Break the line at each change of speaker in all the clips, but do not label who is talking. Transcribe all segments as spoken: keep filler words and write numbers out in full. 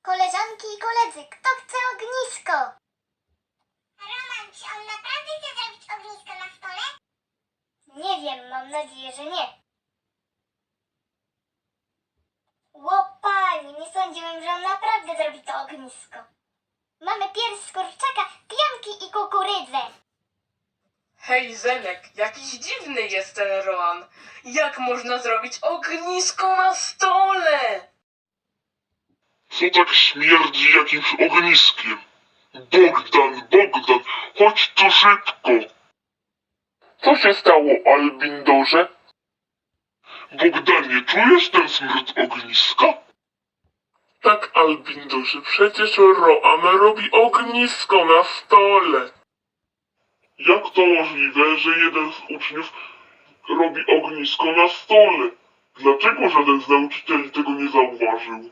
Koleżanki i koledzy, kto chce ognisko?
Roman, czy on naprawdę chce zrobić ognisko na stole?
Nie wiem, mam nadzieję, że nie. Łopanie, nie sądziłem, że on naprawdę zrobi to ognisko. Mamy pierś z kurczaka, pianki i kukurydzę.
Hej, Zenek, jakiś dziwny jest ten Roan. Jak można zrobić ognisko na stole?
Co tak śmierdzi jakimś ogniskiem? Bogdan, Bogdan, chodź tu szybko! Co się stało, Albindorze? Bogdanie, czujesz ten smród ogniska? Tak, Albindorze, przecież Roan robi ognisko na stole. Jak to możliwe, że jeden z uczniów robi ognisko na stole? Dlaczego żaden z nauczycieli tego nie zauważył?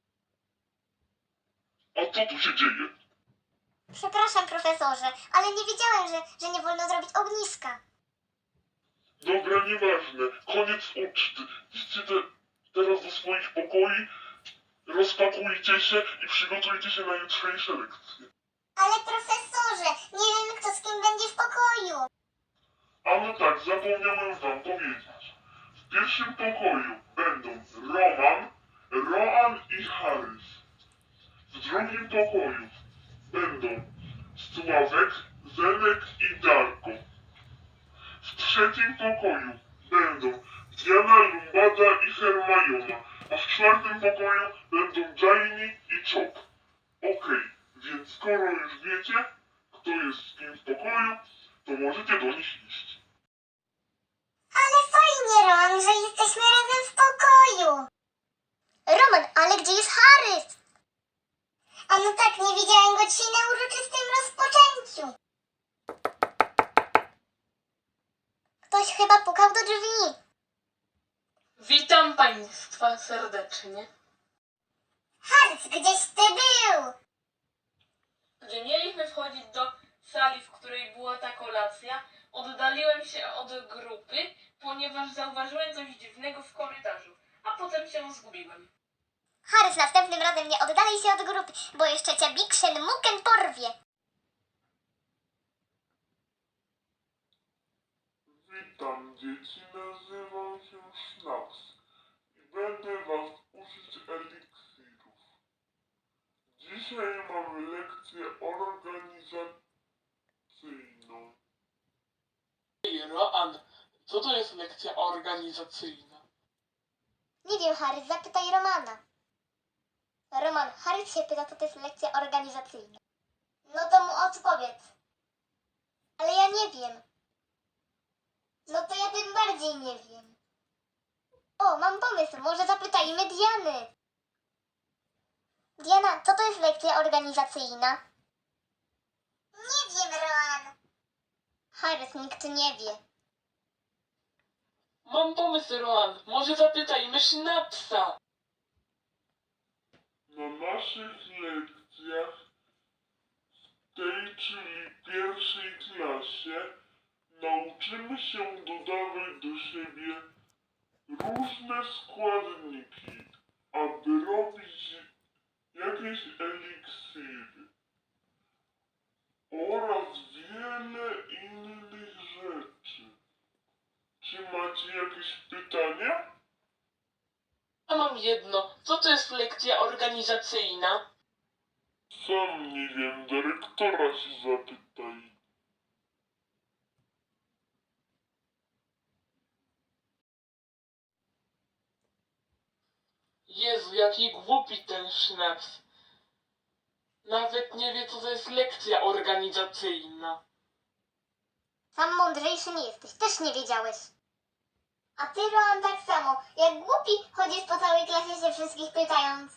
A co tu się dzieje?
Przepraszam, profesorze, ale nie wiedziałem, że, że nie wolno zrobić ogniska.
Dobra, nieważne. Koniec uczty. Idźcie te, teraz do swoich pokoi, rozpakujcie się i przygotujcie się na jutrzejsze lekcje.
Ale profesorze, nie wiem kto z kim będzie w pokoju.
A no tak, zapomniałem wam powiedzieć. W pierwszym pokoju będą Roman, Roan i Harris. W drugim pokoju będą Sławek, Zenek i Darko. W trzecim pokoju będą Diana, Lumbada i Hermiona, a w czwartym pokoju będą Jaini i Chop. Okej, więc skoro już wiecie, kto jest z kim w pokoju, to możecie do nich iść.
Ale fajnie, Roman, że jesteśmy razem w pokoju.
Roman, ale gdzie jest Harris?
A no tak, nie widziałem go dzisiaj na uroczystym rozpoczęciu.
Ktoś chyba pukał do drzwi.
Witam Państwa serdecznie.
Harc, gdzieś ty był?
Gdy mieliśmy wchodzić do sali, w której była ta kolacja, oddaliłem się od grupy, ponieważ zauważyłem coś dziwnego w korytarzu, a potem się zgubiłem.
Harris, następnym razem nie oddalej się od grupy, bo jeszcze cię Biksen Muken porwie.
Witam dzieci, nazywam się Schnaps i będę was uczyć eliksirów. Dzisiaj mam lekcję organizacyjną.
Roan, co to jest lekcja organizacyjna?
Nie wiem, Harris, zapytaj Romana. Roman, Harris się pyta, co to jest lekcja organizacyjna. No to mu odpowiedz. Ale ja nie wiem. No to ja tym bardziej nie wiem. O, mam pomysł, może zapytajmy Diany. Diana, co to jest lekcja organizacyjna?
Nie wiem, Roman.
Harris, nikt nie wie.
Mam pomysł, Roan, może zapytajmy Sznapsa.
Na naszych lekcjach w tej, czyli pierwszej klasie, nauczymy się dodawać do siebie różne składniki, aby robić jakieś eliksiry oraz wiele innych rzeczy. Czy macie jakieś pytania?
Ja mam jedno, co to jest lekcja organizacyjna?
Sam nie wiem, dyrektora się zapytaj.
Jezu, jaki głupi ten Sznaps. Nawet nie wie, co to jest lekcja organizacyjna.
Sam mądrzejszy nie jesteś, też nie wiedziałeś. A ty, Roman, tak samo. Jak głupi chodzisz po całej klasie się wszystkich pytając.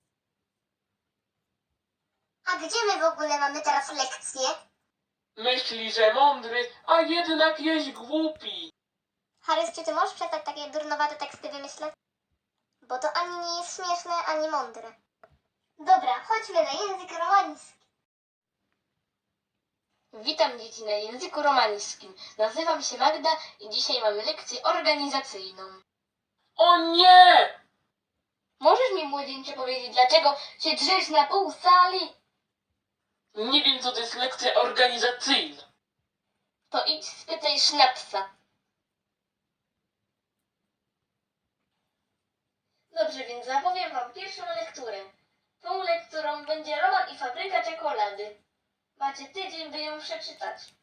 A gdzie my w ogóle mamy teraz lekcję?
Myśli, że mądry, a jednak jest głupi.
Harris, czy ty możesz przestać takie durnowate teksty wymyślać? Bo to ani nie jest śmieszne, ani mądre. Dobra, chodźmy na język romański. Witam dzieci na języku romańskim. Nazywam się Magda i dzisiaj mamy lekcję organizacyjną.
O nie!
Możesz mi, młodzieńcze, powiedzieć, dlaczego się drzesz na pół sali?
Nie wiem, co to jest lekcja organizacyjna.
To idź spytaj Sznapsa. Dobrze, więc zapowiem wam pierwszą lekturę. Tą lekturą będzie Roman i fabryka czekolady. Macie tydzień, by ją przeczytać.